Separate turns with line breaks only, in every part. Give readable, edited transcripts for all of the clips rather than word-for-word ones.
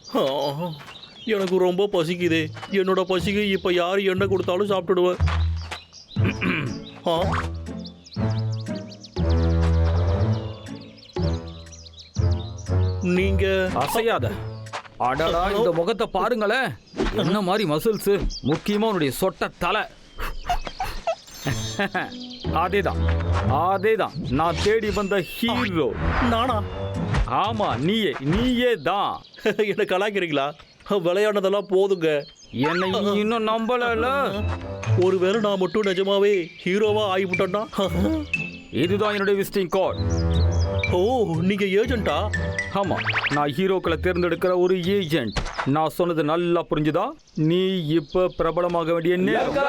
ஆ, எனக்கு ரொம்ப பசிக்குதே. என்னோட பசிக்கு இப்போ யார் எண்ணெய் கொடுத்தாலும் சாப்பிட்டுடுவேன். ஆ, நீங்க
அசையாத. அடடா, இந்த முகத்தை பாருங்களேன். என்ன மாதிரி மசில்ஸ், முக்கியமா உன்னுடைய சொட்ட தலை. அதேதான் அதேதான், நான் தேடி வந்த ஹீரோ.
நானா?
ஆமா, நீயே தான்.
என்ன கலாய்க்கிறீங்களா? விளையாடுனதெல்லாம் போதுங்க.
என்னை இன்னும் நம்பல.
ஒருவேளை நான் மட்டும் நிஜமாவே ஹீரோவா ஆகிவிட்டேன்னா?
இதுதான் என்னுடைய விசிட்டிங் கார்டு.
ஓ, நீங்க ஏஜென்ட்டா?
ஆமா, நான் ஹீரோக்களை தேர்ந்தெடுக்கிற ஒரு ஏஜென்ட். நான் சொன்னது நல்லா புரிஞ்சுதா? நீ இப்ப பிரபலமாக வேண்டிய நேரம்.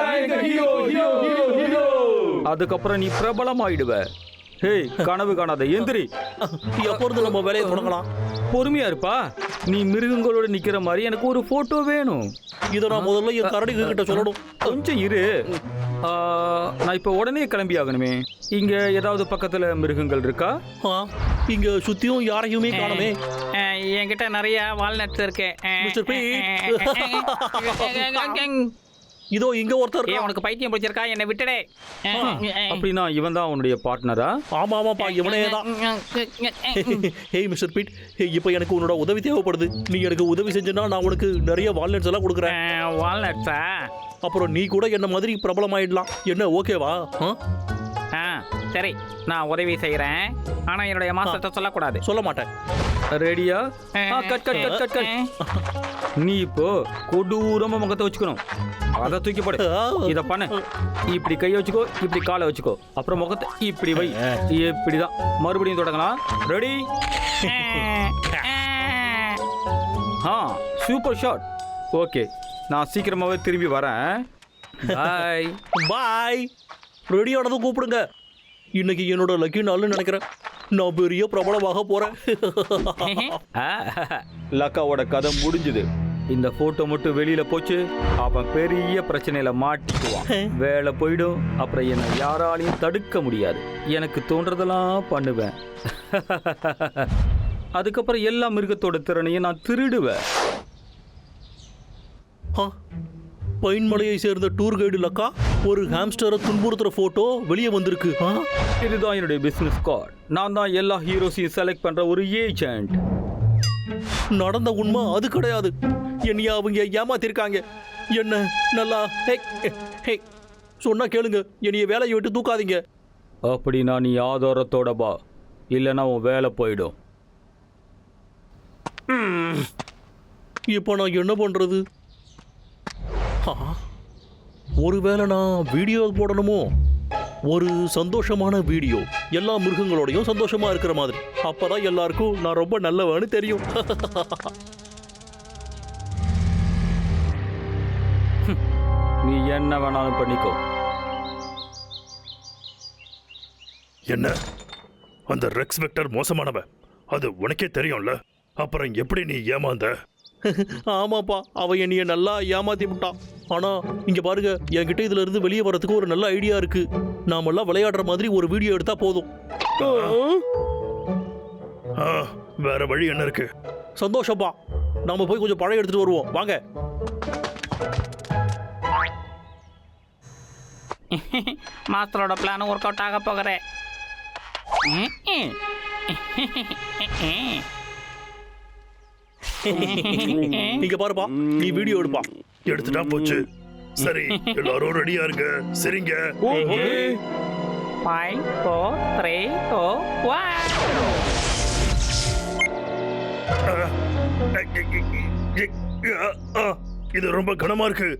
அதுக்கப்புறம் நீ பிரபலமாயிடுவ. ஹே, கனவு காணாத, எந்திரி.
எப்போ இருந்து நம்ம வேலையை தொடங்கலாம்?
பொறுமையா இருப்பா. நீ மிருகங்களோட நிக்கிற மாதிரி எனக்கு ஒரு போட்டோ வேணும்.
இதை நான் முதல்ல என் கரடிங்க கிட்ட சொல்லணும்.
கொஞ்சம் இரு. நான் இப்ப உடனே கிளம்பி ஆகணுமே. இங்க ஏதாவது பக்கத்துல மிருகங்கள் இருக்கா?
இங்க சுத்தியும் யாரையுமே காணுமே.
என்கிட்ட நிறைய வால்நட்ஸ் இருக்கு.
Mister Pete. இதோ இங்க ஒருத்தர்.
உனக்கு பைத்தியம் பிடிச்சிருக்கா? என்னை விட்டுடே.
அப்படின்னா இவன் தான் உன்னுடைய பார்ட்னரா?
ஆமா ஆமாப்பா, இவனே தான். ஹேய் மிஸ்டர் பீட், இப்போ எனக்கு உன்னோட உதவி தேவைப்படுது. நீ எனக்கு உதவி செஞ்சனா நான் உனக்கு நிறைய வால்நட்ஸ் எல்லாம் கொடுக்குறேன்.
வால்நட்ஸா?
அப்புறம் நீ கூட என்ன மாதிரி பிரபலமாயிடலாம். என்ன ஓகேவா?
சரி, நான் உதவி செய்யறேன். ஆனா என்னுடைய மாஸ்டர்ட்ட சொல்லக்கூடாது.
சொல்ல மாட்டேன்.
ரெடியா? Cut cut cut cut cut. நீ இப்போ கொடூரமா முகத்தை வச்சுக்கணும். அதை தூக்கி போடு. இத பண்ணு. இப்படி கையை வச்சுக்கோ, இப்படி காலை வச்சுக்கோ, அப்புறம் முகத்தை இப்படி வை. இப்படிதான். மறுபடியும் தொடங்கலாம். ரெடி? Super shot. ஓகே, நான் சீக்கிரமாவே திரும்பி வரேன். பாய்
பாய். ரெடியானதும் கூப்பிடுங்க. இன்னைக்கு என்னோட லக்கி நாள்னு நினைக்கிறேன். நான் பெரிய பிரபலமாக போறேன்.
லக்காவோட கதை முடிஞ்சுது. இந்த போட்டோ மட்டும் வெளியில போச்சு, அவன் பெரிய பிரச்சனையில மாட்டிக்குவான். வேலை போயிடும். அப்புறம் என்னை யாராலையும் தடுக்க முடியாது. எனக்கு தோன்றதெல்லாம் பண்ணுவேன். அதுக்கப்புறம் எல்லா மிருகத்தோட திறனையும் நான் திருடுவேன்.
பைன்மலையை சேர்ந்த டூர் கைடு லக்கா ஒரு ஹாம்ஸ்டரை துன்புறுத்துற போட்டோ வெளியே வந்திருக்கு.
இதுதான் என்னுடைய பிசினஸ் கார்டு. நான் தான் எல்லா ஹீரோஸையும் செலக்ட் பண்ற ஒரு ஏஜென்ட்.
நடந்த உண்மை அது கிடையாது. என்னைய அவங்க ஏமாத்திருக்காங்க. என்ன நல்லா சொன்னா கேளுங்க. என்னைய வேலையை விட்டு தூக்காதீங்க.
அப்படின்னா நீ ஆதாரத்தோட பா, இல்லைன்னா உன் வேலை போயிடும்.
இப்போ நான் என்ன பண்றது? ஒருவேளை நான் வீடியோ போடணுமோ? ஒரு சந்தோஷமான வீடியோ, எல்லா மிருகங்களோடையும் சந்தோஷமா இருக்கிற மாதிரி. அப்பதான் எல்லாருக்கும் நான் ரொம்ப நல்லவன்னு தெரியும்.
நீ என்ன வேணாலும் பண்ணிக்கோ.
என்ன, அந்த ரெக்ஸ் வெக்டர் மோசமானவன், அது உனக்கே தெரியும்ல. அப்புறம் எப்படி நீ ஏமாந்த?
ஆமாப்பா, அவன் என்னைய நல்லா ஏமாத்தி விட்டான். ஆனா இங்க பாருங்க, என்கிட்ட இதுல இருந்து வெளியே வரதுக்கு ஒரு நல்ல ஐடியா இருக்கு. நாமெல்லாம் விளையாடுற மாதிரி ஒரு வீடியோ எடுத்தா போதும்.
வேற வழி என்ன இருக்கு?
சந்தோஷப்பா, நாம போய் கொஞ்சம் பழம் எடுத்துட்டு வருவோம். வாங்க.
மாஸ்டரோட பிளான் ஒர்க் அவுட் ஆக போகிறேன்.
இங்க பாருப்பா, நீ வீடியோ எடுப்பா.
எடுத்துட்டா போச்சு. சரி, எல்லாரும் ரெடியா இருங்க. சரிங்க.
5 4 3 2
1. இது ரொம்ப கனமா இருக்கு.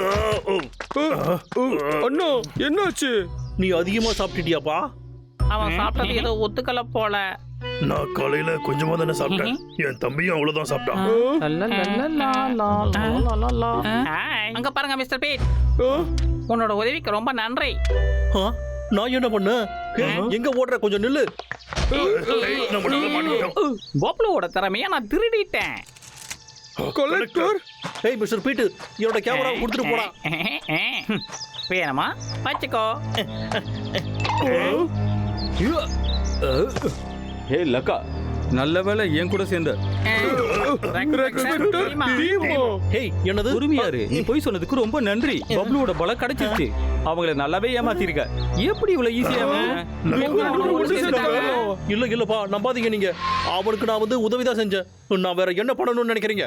அண்ணா, என்னாச்சு?
நீ அதிகமா சாப்பிட்டுட்டியாப்பா?
அவன் சாப்பிட்டது ஏதோ ஒத்துக்கல போல.
நான் காலையில கொஞ்சமா தானே சாப்பிட்டேன். என் தம்பியும் அவ்வளவுதான் சாப்பிட்டான்.
அங்க பாருங்க மிஸ்டர் பீட், உன்னோட உதவிக்கு ரொம்ப நன்றி.
நான் என்ன பண்ண? எங்க ஓடுற? கொஞ்சம் நில்லு.
கோப்லோட திறமையா நான் திருடிட்டேன்.
கலெக்டர், ஏய் மிஸ்டர் பீட், என்னோட கேமரா கொடுத்துட்டு போடா.
வேணுமா? வச்சுக்கோ.
ஹே லக்கா, நல்ல வேளை என் கூட சேர்ந்த
ஹேய் என்னது
உரிமையாரு நீ போய் சொன்னதுக்கு ரொம்ப நன்றி. பப்ளுவோட பலம் கிடைச்சிருச்சு. அவங்கள நல்லாவே ஏமாத்திருக்க. எப்படி இவ்வளவு ஈஸியா
இல்ல இல்லப்பா நம்பாதீங்க நீங்க. அவனுக்கு நான் வந்து உதவிதான் செஞ்சேன். நான் வேற என்ன பண்ணணும்னு நினைக்கிறீங்க?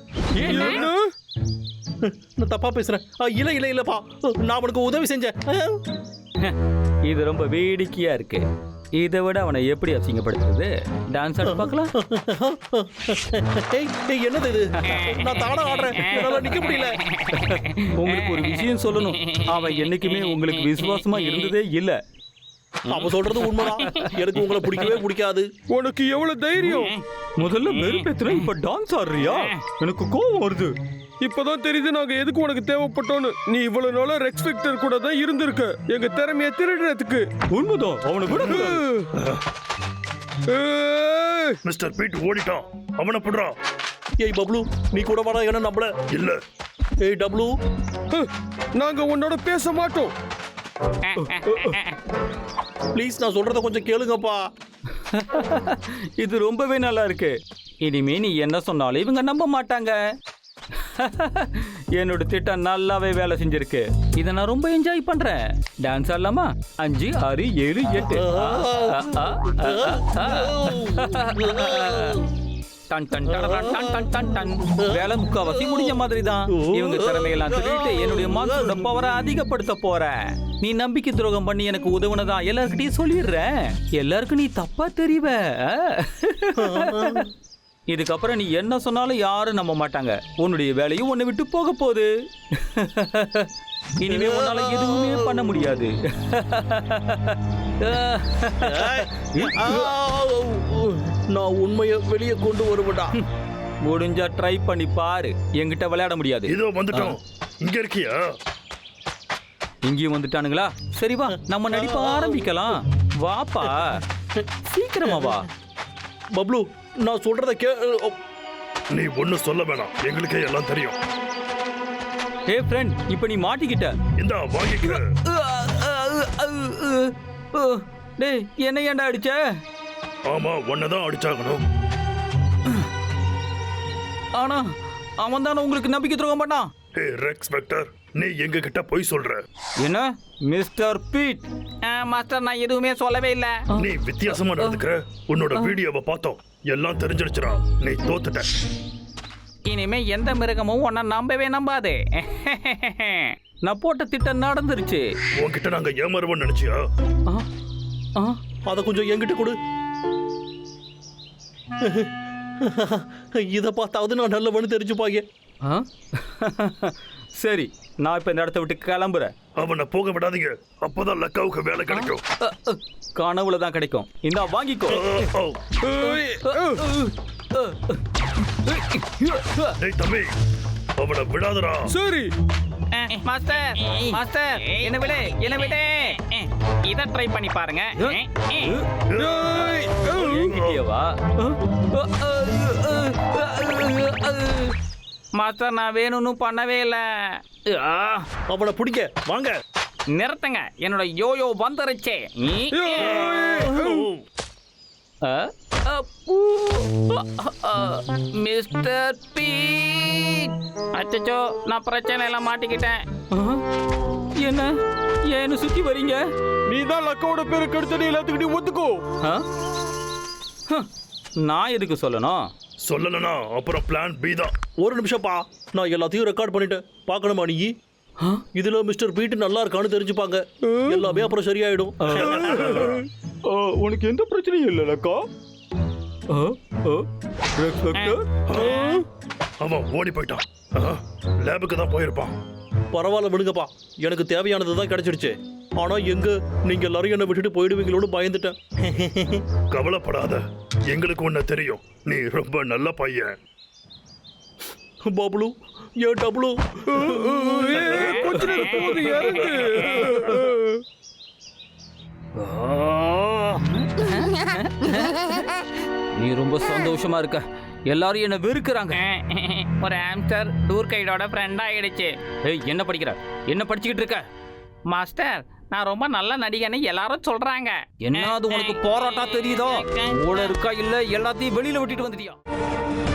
நான் தப்பா பேசுறேன். இல்ல இல்ல இல்லப்பா நான் அவனுக்கு உதவி செஞ்சேன்.
இது ரொம்ப வேடிக்கையா இருக்கு. இதை விட அவனை எப்படி அசிங்கப்படுத்துறது? டான்ஸ் ஆட பார்க்கலாம்.
என்னது இது? நான் தானா ஆடுறேன். என்னால நிக்க முடியல.
உங்களுக்கு ஒரு விஷயம் சொல்லணும். அவன் என்னைக்குமே உங்களுக்கு விசுவாசமா இருந்ததே இல்ல.
அவன் சொல்றது உண்மைதான். எனக்கு உங்களை பிடிக்கவே பிடிக்காது.
உனக்கு எவ்வளவு தைரியம்?
முதல்ல வெறுப்பேத்துற, இப்ப டான்ஸ் ஆடுறியா? எனக்கு கோவம் வருது.
இப்பதான் தெரியுது நாங்க எதுக்கு உனக்கு தேவைப்பட்டோன்னு. நீ இவ்வளவு நாளா ரெக்ஸ் வெக்டர் கூட தான் இருந்திருக்க எங்க திறமைய திருடுறதுக்கு.
உண்மைதான். அவனை விட
மிஸ்டர் பீட் ஓடிட்டான். அவனை புடுறா.
ஏய் பப்ளு நீ கூட வாடா. என்ன நம்பல
இல்ல.
ஏய் டப்ளு
நாங்க உன்னோட பேச மாட்டோம்.
ப்ளீஸ் நான் சொல்றத கொஞ்சம் கேளுங்கப்பா.
இது ரொம்பவே நல்லா இருக்கு. இனிமே நீ என்ன சொன்னாலும் இவங்க நம்ப மாட்டாங்க. என்னோட திட்டம் நல்லாவே வேலை செஞ்சிருக்கு. இதை நான் ரொம்ப என்ஜாய் பண்றேன். டான்ஸ் ஆடலாமா? 5 6 7 8. டன் டன் டன் டன் டன் டன் டன். வேலை முக்காவாசி முடிஞ்ச மாதிரி தான். இவங்க திறமையெல்லாம் திருட்டு என்னுடைய மாஸ்டரோட பவரை அதிகப்படுத்த போறேன். நீ நம்பிக்கை துரோகம் பண்ணி எனக்கு உதவுனதா எல்லார்கிட்டயும் சொல்லிடுறேன். எல்லாருக்கும் நீ தப்பா தெரிவ. இதுக்கப்புறம் நீ என்ன சொன்னாலும் யாரும் நம்ப மாட்டாங்க. உன்னுடைய வேலையும் உன்னை விட்டு போக போகுது. இனிமே உன்னால எதுவுமே பண்ண முடியாது.
நான் உண்மையை வெளியே கொண்டு வருவேடா.
முடிஞ்சா ட்ரை பண்ணி பாரு. என்கிட்ட விளையாட முடியாது.
இதோ வந்துட்டோம். இங்க இருக்கியா?
இங்கேயும் வந்துட்டானுங்களா? சரி வா நம்ம நடிப்ப ஆரம்பிக்கலாம். வாப்பா சீக்கிரமா வா.
பப்ளு நான் சொல்றத
நீ ஒன்னும் சொல்ல வேணாம். எங்களுக்கே எல்லாம் தெரியும்.
ஏ ஃப்ரெண்ட் இப்போ நீ மாட்டிக்கிட்ட.
இந்தா வாங்கிக்க.
டேய் என்ன ஏன்டா அடிச்ச?
ஆமா ஒன்னதான் அடிச்சாகணும்.
ஆனா அவன் தானே உங்களுக்கு நம்பிக்கை துரோகம் பண்ணான்.
ஹே ரெக்ஸ் வெக்டர் நீ எங்க கிட்ட போய் சொல்ற.
என்ன மிஸ்டர் பீட்?
மாஸ்டர் நான் எதுவுமே சொல்லவே இல்ல.
நீ வித்தியாசமா நடந்துக்கிற. உன்னோட வீடியோவை பார்த்தோம். எல்லாம் தெரிஞ்சிடுச்சுடா. நீ தோத்துட்ட.
இனிமே எந்த மிருகமும் உன்னை நம்பவே நம்பாது.
நான் போட்ட திட்டம் நடந்துருச்சு.
உன்கிட்ட நாங்க ஏமாறுவோம்னு நினைச்சியா?
அத கொஞ்சம் என்கிட்ட கொடு. இத பார்த்தாவது நான் நல்லவனு தெரிஞ்சுப்பாங்க.
சரி நான் இப்ப இந்த இடத்த விட்டு கிளம்புறேன்.
அவனை போக விடாதீங்க. அப்பதான் லக்காவுக்கு வேலை கிடைக்கும்.
கனவுல தான் கிடைக்கும். இந்தா வாங்கிக்கோ.
டேய் தம்பி அவனை விடாதடா.
சரி
மாஸ்டர் மாஸ்டர் என்ன விடு என்ன விடு. இத ட்ரை பண்ணி பாருங்க.
வா
மாஸ்டர் நான் வேணும்னு பண்ணவே இல்ல.
அவனை பிடிக்க வாங்க.
நிறுத்துங்க. என்னோட யோயோ வந்துருச்சு. Mister Pete. அச்சச்சோ நான் பிரச்சனை எல்லாம் மாட்டிக்கிட்டேன்.
என்ன ஏன்னு சுத்தி வரீங்க?
நீ தான் லக்காவோட பேரை கெடுத்து நீ எல்லாத்துக்கிட்டையும் ஒத்துக்கோ.
நான் எதுக்கு சொல்லணும்?
சொல்லலனா அப்புறம் பிளான் பி தான்.
ஒரு நிமிஷம்ப்பா. நான் எல்லாத்தையும் ரெக்கார்ட் பண்ணிட்டேன். பார்க்கணுமா நீ? இதுல மிஸ்டர் பீட் நல்லா இருக்கான்னு தெரிஞ்சுப்பாங்க. எல்லாமே அப்புறம் சரியாயிடும்.
உனக்கு எந்த பிரச்சனையும் இல்லை லக்கா.
அவன் ஓடி போயிட்டான். லேபுக்கு தான் போயிருப்பான்.
பரவாயில்ல விடுங்கப்பா. எனக்கு தேவையானது தான் கிடைச்சிடுச்சு. ஆனா எங்க நீங்க எல்லாரும் என்ன விட்டுட்டு போயிடுவீங்களோடு பயந்துட்டேன்.
கவலைப்படாத. எங்களுக்கு ஒண்ணு தெரியும். நீ ரொம்ப நல்ல பையன்.
பப்ளு ஏன் டப்ளு?
கொஞ்ச நேரம் போது இறங்கு.
நீ ரொம்ப சந்தோஷமா இருக்க. எல்லாரும் என்ன வெறுக்கிறாங்க.
ஒரு ஆம்ஸ்டர் டூர் கைடோட ஃப்ரெண்ட் ஆயிடுச்சு.
ஏய் என்ன படிக்கிற? என்ன படிச்சுக்கிட்டு இருக்க?
மாஸ்டர் நான் ரொம்ப நல்ல நடிகன்னு எல்லாரும் சொல்றாங்க.
என்னது உனக்கு போராட்டா தெரியுதோ? கூட இருக்கா இல்ல எல்லாத்தையும் வெளியில விட்டுட்டு வந்துட்டியா?